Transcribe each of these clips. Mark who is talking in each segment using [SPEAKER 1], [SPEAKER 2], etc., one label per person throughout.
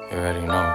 [SPEAKER 1] You already know.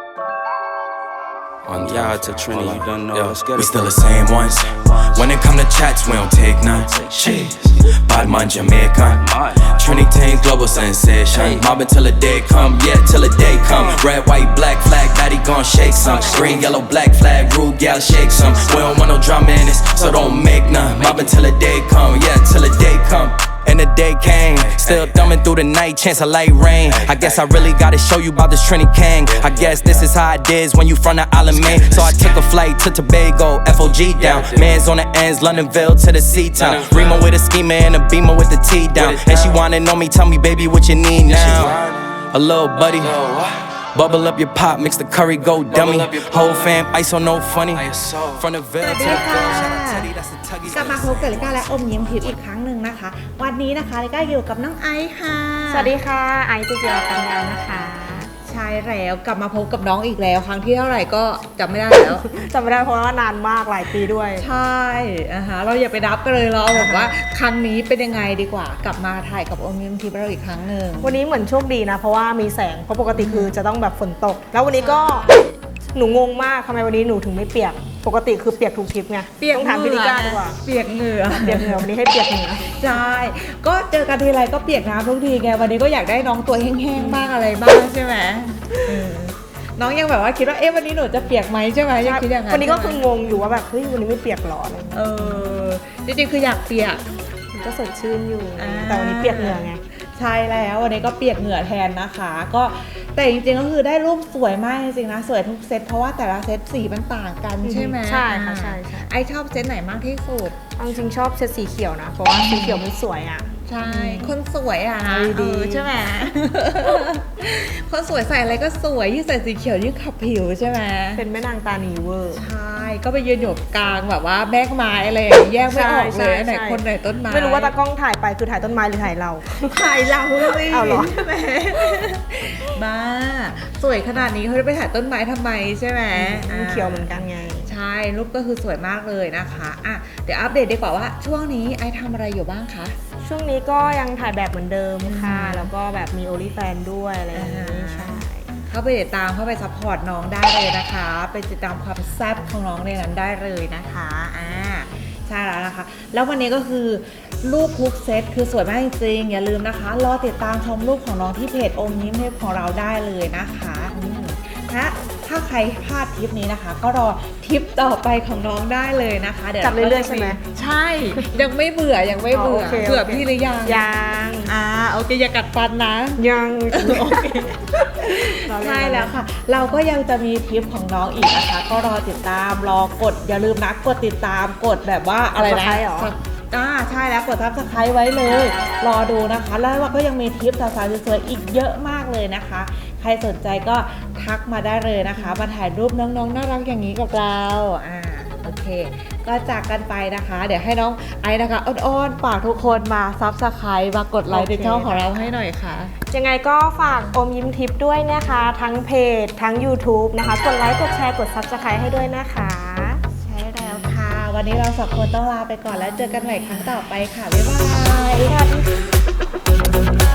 [SPEAKER 2] Yeah, to Trini, you done know. Let's get it.
[SPEAKER 3] We still the same ones. When it come to chats, we don't take none. Cheers. Badman Jamaican. Trini Tain global sensation. Mobbing till the day come, yeah, till the day come. Red, white, black flag, daddy gon' shake some. Green, yellow, black flag, rude gal shake some. We don't want no drama in this, so don't make none. Mobbing till the day come, yeah, till the day come. And the day came, still thumbing through the night, chance of light rain. I guess I really gotta show you about this Trini King. I guess this is how it is when you from the island, man. So I took a flight to Tobago, FOG down. Man's on the ends, Londonville to the C-town. Remo with a schema and a beamer with the T down. And she wanna know me, tell me, baby, what you need now? A little buddy. Bubble up your pop, mix the curry, go dummy. Whole fam, ice on no funny. From the Ville to the girl, shout out Teddy, that's the tuggies.
[SPEAKER 4] กลับมาพบกับลิก้าและอมยิ้มทิพย์อีกครั้งหนึ่งนะคะ วันนี้นะคะลิก้าอยู่กับน้องไอซ์ค่ะ
[SPEAKER 5] สวัสดีค่ะไอซ์ตุเจียปัญญานะคะ
[SPEAKER 4] ใช่แล้วกลับมาพบกับน้องอีกแล้วครั้งที่เท่าไหร่ก็จำไม่ได้แล้ว
[SPEAKER 5] จำไม่ได้เพราะว่านานมากหลายปีด้วย
[SPEAKER 4] ใช่เราอย่าไปนับกันเลยเราบอกว่าครั้งนี้เป็นยังไงดีกว่ากลับมาถ่ายกับอมยิ้มทิพย์เราอีกครั้งหนึ่ง
[SPEAKER 5] วันนี้เหมือนโชคดีนะเพราะว่ามีแสงเพราะปกติคือจะต้องแบบฝนตก แล้ววันนี้ก็หนูงงมากทำไมวันนี้หนูถึงไม่เปียกปกติคือเปียกทุกทริปไงต้องถามพี่ลิก้าดีกว่า
[SPEAKER 4] เปียกเหงื่อ
[SPEAKER 5] เปียกเหงื่อวันนี้ให้เปียกเหงื่อ
[SPEAKER 4] ใช่ก็เจอกันทีไรก็เปียกน้ำทุกทีไงวันนี้ก็อยากได้น้องตัวแห้งๆบ้างอะไรบ้างใช่ไหมน้องยังแบบว่าคิดว่าวันนี้หนูจะเปียกไหมใช่ไหมยังคิดอย่างนั้น
[SPEAKER 5] วันนี้ก็คืองงอยู่ว่าแบบเฮ้ยวันนี้ไม่เปียกหรออะไร
[SPEAKER 4] จริงๆคืออยากเปียก
[SPEAKER 5] มันก็สดชื่นอยู่แต่วันนี้เปียกเหงื่อไง
[SPEAKER 4] ใช่แล้ววันนี้ก็เปียกเหงื่อแทนนะคะก็แต่จริงๆก็คือได้รูปสวยมากจริงๆนะสวยทุกเซตเพราะว่าแต่ละเซตสีมันต่างกันใช่ไหม
[SPEAKER 5] ใช่ค่ะใช่
[SPEAKER 4] ไอชอบเซตไหนมากที่สุด
[SPEAKER 5] จริงๆชอบเซตสีเขียวนะเพราะว่าสีเขียวมันสวยอ่ะ
[SPEAKER 4] ใช่คนสวยอ่ะนะ
[SPEAKER 5] ดี
[SPEAKER 4] ใช่ไหม คนสวยใส่อะไรก็สวยยิ่งใส่สีเขียวยิ่งขับผิวใช่ไหม
[SPEAKER 5] เป็นแม่นางตานีเวอร์
[SPEAKER 4] ใช่ก็ไปยืนอยู่กลางแบบว่าแบกไม้อะไรอย่างเงี้ยแยกไม่ออกเลยไหนคนไหนต้นไม้
[SPEAKER 5] ไม่รู้ว่าตากล้องถ่ายไปคือถ่ายต้นไม้หรือถ่ายเรา
[SPEAKER 4] ถ่ายเราเลย
[SPEAKER 5] เอาเหรอ
[SPEAKER 4] ใช่ไหมบ้าสวยขนาดนี้เขาจะไปถ่ายต้นไม้ทำไมใช่ไหม
[SPEAKER 5] มันเขียวเหมือนกันไง
[SPEAKER 4] ใช่รูปก็คือสวยมากเลยนะคะอ่ะเดี๋ยวอัปเดตดีกว่าว่าช่วงนี้ไอทำอะไรอยู่บ้างคะ
[SPEAKER 5] ช่วงนี้ก็ยังถ่ายแบบเหมือนเดิมค่ะ แล้วก็แบบมี OnlyFans ด้วยอะไรอย่างนี้ใช่
[SPEAKER 4] เข้าไปติดตามเข้าไปซัพพอร์ตน้องได้เลยนะคะไปติดตามความแซ่บของน้องในนั้นได้เลยนะคะใช่แล้วนะคะแล้ววันนี้ก็คือรูปทุกเซตคือสวยมากจริงๆอย่าลืมนะคะรอติดตามชมรูปของน้องที่เพจอมยิ้มเทพของเราได้เลยนะคะถ้าใครพลาดทริปนี้นะคะ ก็รอทริปต่อไปของน้องได้เลยนะคะเดี๋ยว
[SPEAKER 5] จับเรื่อยๆใช่ไหม
[SPEAKER 4] ใช่ยังไม่เบื่อยังไม่เบื่อ
[SPEAKER 5] โอเค
[SPEAKER 4] เบื่อพี่หรือยัง
[SPEAKER 5] ยัง
[SPEAKER 4] โอเคอย่ากัดฟันนะ
[SPEAKER 5] ยัง
[SPEAKER 4] โอเคใช่แล้วค่ะ เราก็ยังจะมีทริปของน้องอีกนะคะ ก็รอติดตามรอกดอย่าลืมนะกดติดตามกดแบบว่าอะไรนะ
[SPEAKER 5] Subscribe เหรอ
[SPEAKER 4] ใช่แล้วกดSubscribeไว้เลย รอดูนะคะ แล้วเราก็ยังมีทริปสาวๆสวยๆอีกเยอะมากเลยนะคะ ใครสนใจก็ทักมาได้เลยนะคะ มาถ่ายรูปน้องๆน่ารักอย่างนี้กับเราโอเค ก็จากกันไปนะคะ เดี๋ยวให้น้องไอซ์นะคะอ้อนๆฝากทุกคนมาSubscribeมากดไลค์ในช่องของเราให้หน่อยค่ะ
[SPEAKER 5] ยังไงก็ฝากอมยิ้มทิปด้วยนะคะ ทั้งเพจทั้ง YouTube นะคะ กดไลค์กดแชร์กด Subscribe ให้ด้วยนะคะ
[SPEAKER 4] ใช่แล้วค่ะ วันนี้เราสองคนต้องลาไปก่อนแล้วเจอกันใหม่ครั้งต่อไปค่ะ บ๊ายบาย